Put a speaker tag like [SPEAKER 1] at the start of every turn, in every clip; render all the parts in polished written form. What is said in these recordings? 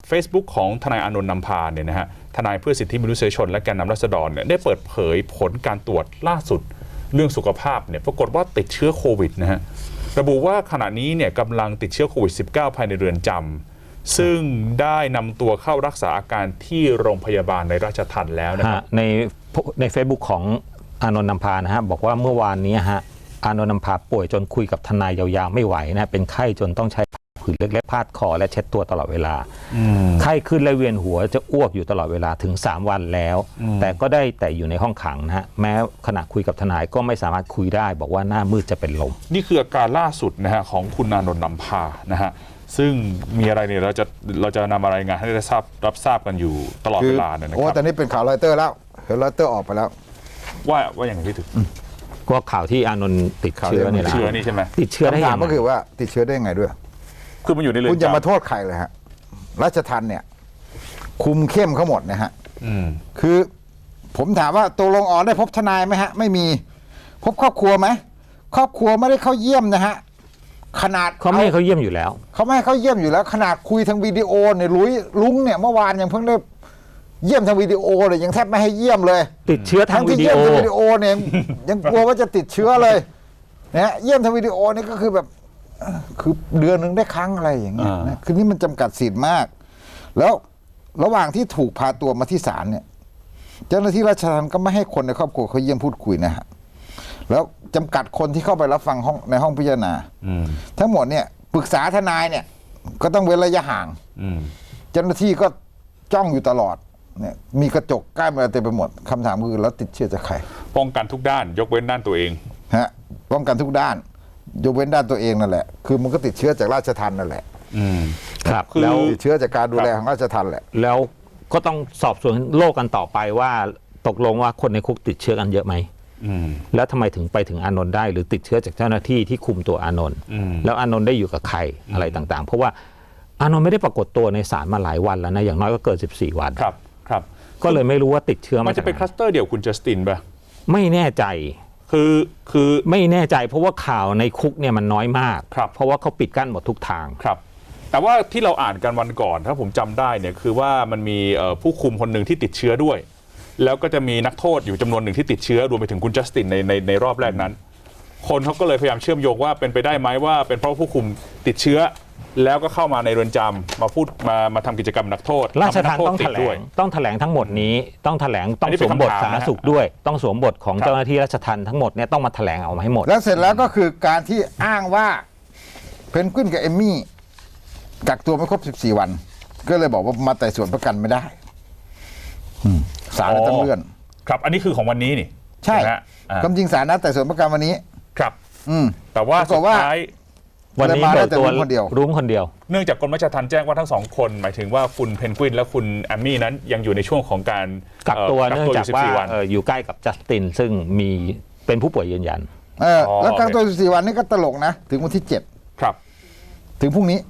[SPEAKER 1] Facebook ของทนายอานนท์นำพาเนี่ยนะฮะทนายเพื่อสิทธิมนุษยชนและแกนนำราษฎรเนี่ยได้เปิดเผยผลการตรวจล่าสุดเรื่องสุขภาพเนี่ยปรากฏว่าติดเชื้อโควิดนะฮะระบุว่าขณะนี้เนี่ยกำลังติดเชื้อโควิด -19 ภายในเรือนจำซึ่งได้นำตัวเข้ารักษาอาการที่โรงพยาบาลในราชทัณฑ์แล้วนะครับ
[SPEAKER 2] ใน Facebook ของอานนท์นำพานะฮะบอกว่าเมื่อวานนี้ฮะอานนท์นำพาป่วยจนคุยกับทนายยาวๆไม่ไหวนะเป็นไข้จนต้องใช้ผืนเล็กๆพาดคอและเช็ดตัวตลอดเวลาไข้ขึ้นและเวียนหัวจะอ้วกอยู่ตลอดเวลาถึง3วันแล้วแต่ก็ได้แต่อยู่ในห้องขังนะฮะแม้ขณะคุยกับทนายก็ไม่สามารถคุยได้บอกว่าหน้ามืดจะเป็นลม
[SPEAKER 1] นี่คืออาการล่าสุดนะฮะของคุณอานนท์นำพานะฮะซึ่งมีอะไรเนี่ยเราจะนำอะไรายงานให้ได้รับทราบกันอยู่ตลอดเวลาเนี่ยนะครับ
[SPEAKER 3] โอ้แต่นี่เป็นข่าวรอยเตอร์แล้วเห็นรอยเตอร์ออกไปแล้ว
[SPEAKER 1] ว่าอย่างไรพี่ถึง
[SPEAKER 2] ก็ข่าวที่อานนท์ติดเชื้อเนี่ยแหละ
[SPEAKER 1] นี่ใช่ไหม
[SPEAKER 2] ติดเชื้อได้ยังไง
[SPEAKER 3] ก็คือว่าติดเชื้อได้ยังไงด้วย
[SPEAKER 1] คือมันอยู่ในเรือนจำ
[SPEAKER 3] คุณจะมาโทษใครเลยฮะราชทัณฑ์เนี่ยคุมเข้มเขาหมดนะฮะคือผมถามว่าตกลงได้พบทนายไหมฮะไม่มีพบครอบครัวไหมครอบครัวไม่ได้เข้าเยี่ยมนะฮะขนาด
[SPEAKER 2] เขาไม่ให้เขาเยี่ยมอยู่แล้ว
[SPEAKER 3] เขาไม่ให้เขาเยี่ยมอยู่แล้วขนาดคุยทางวิดีโอเนี่ยลุงเนี่ยเมื่อวานยังเพิ่งได้เยี่ยมทางวิดีโอเลยยังแทบไม่ให้เยี่ยมเลย
[SPEAKER 2] ติดเชื้อทางวิดีโอ
[SPEAKER 3] เนี่ยยังกลัวว่าจะติดเชื้อเลยนะเยี่ยมทางวิดีโอนี่ก็คือแบบคือเดือนหนึ่งได้ครั้งอะไรอย่างเงี้ยนะคือนี่มันจำกัดสิทธิ์มากแล้วระหว่างที่ถูกพาตัวมาที่ศาลเนี่ยเจ้าหน้าที่ราชทัณฑ์ก็ไม่ให้คนในครอบครัวเขาเยี่ยมพูดคุยนะฮะแล้วจำกัดคนที่เข้าไปรับฟังในห้องพิจารณาทั้งหมดเนี่ยปรึกษาทนายเนี่ยก็ต้องเว้นระยะห่างเจ้าหน้าที่ก็จ้องอยู่ตลอดเนี่ยมีกระจกกั้นอะไรเต็มไปหมดคำถามคือแล้วติดเชื้อจากใคร
[SPEAKER 1] ป้องกันทุกด้านยกเว้นด้านตัวเอง
[SPEAKER 3] ฮะป้องกันทุกด้านยกเว้นด้านตัวเองนั่นแหละคือมันก็ติดเชื้อจากราชทัณฑ์นั่นแหละ
[SPEAKER 2] ครับ
[SPEAKER 3] แล้วติดเชื้อจากการดูแลของราชทัณฑ์แหละ
[SPEAKER 2] แล้วก็ต้องสอบสวนโรคกันต่อไปว่าตกลงว่าคนในคุกติดเชื้อกันเยอะไหมแล้วทำไมถึงไปถึงอานนท์ได้หรือติดเชื้อจากเจ้าหน้าที่ที่คุมตัวอานนท์แล้วอานนท์ได้อยู่กับใครอะไรต่างๆเพราะว่าอานนท์ไม่ได้ปรากฏตัวในศาลมาหลายวันแล้วนะอย่างน้อยก็เกิน14 วัน
[SPEAKER 1] ครับ
[SPEAKER 2] ก็เลยไม่รู้ว่าติดเชื้อ
[SPEAKER 1] มันจะเป็นคลัสเตอร์เดียวคุณจัสตินป่ะ
[SPEAKER 2] ไม่แน่ใจ
[SPEAKER 1] คือ
[SPEAKER 2] ไม่แน่ใจเพราะว่าข่าวในคุกเนี่ยมันน้อยมากเพราะว่าเขาปิดกั้นหมดทุกทาง
[SPEAKER 1] ครับแต่ว่าที่เราอ่านกันวันก่อนถ้าผมจำได้เนี่ยคือว่ามันมีผู้คุมคนหนึ่งที่ติดเชื้อด้วยแล้วก็จะมีนักโทษอยู่จำนวนหนึ่งที่ติดเชื้อรวมไปถึงคุณจัสตินในรอบแรกนั้นคนเขาก็เลยพยายามเชื่อมโยงว่าเป็นไปได้ไหมว่าเป็นเพราะผู้คุมติดเชื้อแล้วก็เข้ามาในเรือนจำมาพูดมาทำกิจกรรมนักโทษ
[SPEAKER 2] ราชทัณฑ์ต้องแถลงทั้งหมดนี้ต้องแถลงต้องสวมบทสาธารณสุขด้วยต้องสวมบทของเจ้าหน้าที่ราชทัณฑ์ทั้งหมดเนี่ยต้องมาแถลงออกมาให้หมด
[SPEAKER 3] แล้วเสร็จแล้วก็คือการที่อ้างว่าเพนกวินกับเอมมี่กักตัวไม่ครบ14 วันก็เลยบอกว่ามาไต่สวนประกันไม่ได้ศาลต้องเลื่อน
[SPEAKER 1] ครับอันนี้คือของวันนี้นี่
[SPEAKER 3] ใช่ความจริงศาลนัดไต่สวนประกันวันนี้
[SPEAKER 1] ครับแต่ว่าสุดท้าย
[SPEAKER 2] วันนี้เปิดตัวรุ้งคนเดียว
[SPEAKER 1] เนื่องจากกรมราชทัณฑ์แจ้งว่าทั้ง2 คนหมายถึงว่าคุณเพนกวินและคุณแอมมี่นั้นยังอยู่ในช่วงของการ
[SPEAKER 2] กักตัวเนื่องจากว่าอยู่ใกล้กับจัสตินซึ่งมีเป็นผู้ป่วยยืนยัน
[SPEAKER 3] แล้วกักตัว14 วันนี่ก็ตลกนะถึงวันที่7
[SPEAKER 1] ครับ
[SPEAKER 3] ถึงพรุ่งนี้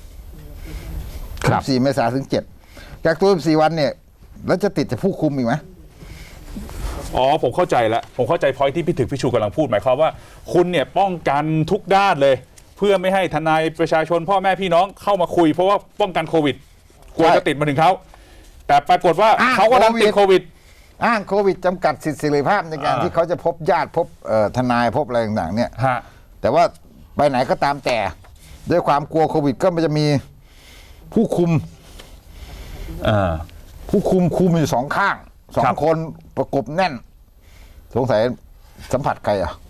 [SPEAKER 3] 14 เมษายนถึง7กักตัว14 วันเนี่ยแล้วจะติดจากผู้คุมอีกไหม
[SPEAKER 1] ผมเข้าใจแล้วผมเข้าใจพอยที่พี่ถึกพี่ชูกำลังพูดหมายความว่าคุณเนี่ยป้องกันทุกด้านเลยเพื่อไม่ให้ทนายประชาชนพ่อแม่พี่น้องเข้ามาคุยเพราะว่าป้องกันโควิดกลัวจะติดมาถึงเขาแต่ปรากฏว่าเขาก็ดันติดโควิด
[SPEAKER 3] อ้างโควิดจำกัดสิทธิเสรีภาพในการที่เขาจะพบญาติพบทนายพบอะไรต่างๆเนี่ยแต่ว่าไปไหนก็ตามแต่ด้วยความกลัวโควิดก็มันจะมีผู้คุมคุมอยู่2 ข้าง2 คนประกบแน่นสงสัยสัมผัสใคร